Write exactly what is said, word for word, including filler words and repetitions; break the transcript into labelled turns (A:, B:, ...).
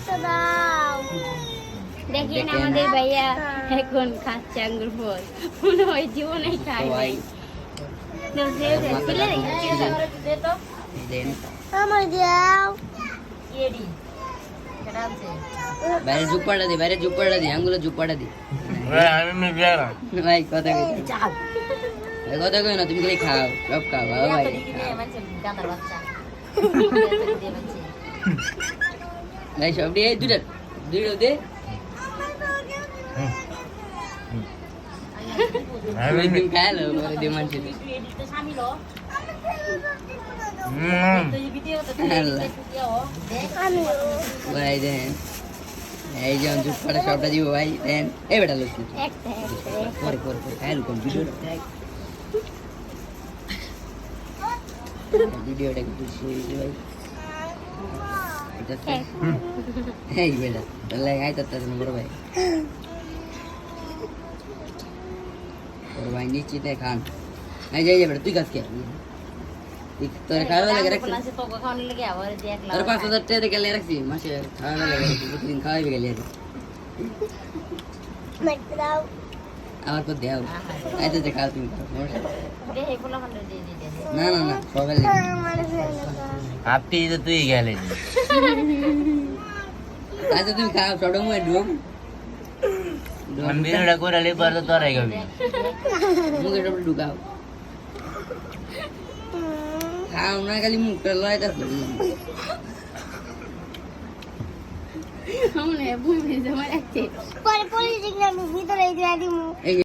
A: একটা দাও।
B: দেখেন আমাদের ভাইয়া এখন খাচ্ছে আঙ্গুর ফল, মনে হয় জীবনেই খায় নাই। দাও, দে, দে, ফেলে দে, দে তো।
C: দেন
A: আমার দাও।
B: ইয়েডি, কেডা আছে?
C: বাইরে জুপাটা দি, বাইরে জুপাটা দি, আঙ্গুলে জুপাটা দি।
D: ভাই আমি মিডিয়া না
C: ভাই কথা কই
B: চাপ।
C: ভাই কথা কই না, তুমি খালি খাও, সব খাও বাবা ভাই।
B: গাদার বাচ্চা।
C: ভাই সব দিয়ে দুইটা দুইটা দে।
D: আমি
C: তুমি খাইলো পরে দে মানছি।
D: হুম
C: ভাই দেন এই যে জুপাটা সবটা দিব ভাই দেন। এই বেটা লোক
B: একটা একটা
C: পরে পরে পরে খাইলো কোন ভিডিওটা দেখ। ভিডিওটা একটু শুই ভাই। এটা এই বেটা তাহলে আই তাতে বড় ভাই বড় ভাই নিশ্চিত খান। এই যে বেটা তুই কাজ কে তোর খাওয়া লাগে রাখছি,
B: আছে তো খাওয়ানো লাগে আবার দেখলা।
C: তোর পাঁচ হাজার টাকা গেলে রাখছি মাসে খাওয়া লাগে রাখছি, প্রতিদিন খাওয়াইবে গেলে
A: একটা দাও।
C: আবার তো দেও এই তো খাও তুমি খাও সমস্যা নেই।
B: দে হে পোলা খান্ডে দিয়ে দিতে।
C: না না না সকালে
A: আমার ফেলে দাও।
D: আপনি তো তুই গেলে
C: আচ্ছা তুমি খাও সবটা মুখে ঢুক
D: আমি ভিডিওটা করে লে পরে তো তোরাই খাবি
C: মুখে সবটা ঢুকাও খাও না খালি মুখটা লয়টা
B: আমরা ভূমি জমা রাখছে।
A: পরে পরে দেখলাম ভিতরে দিয়ে দিমু।
C: এই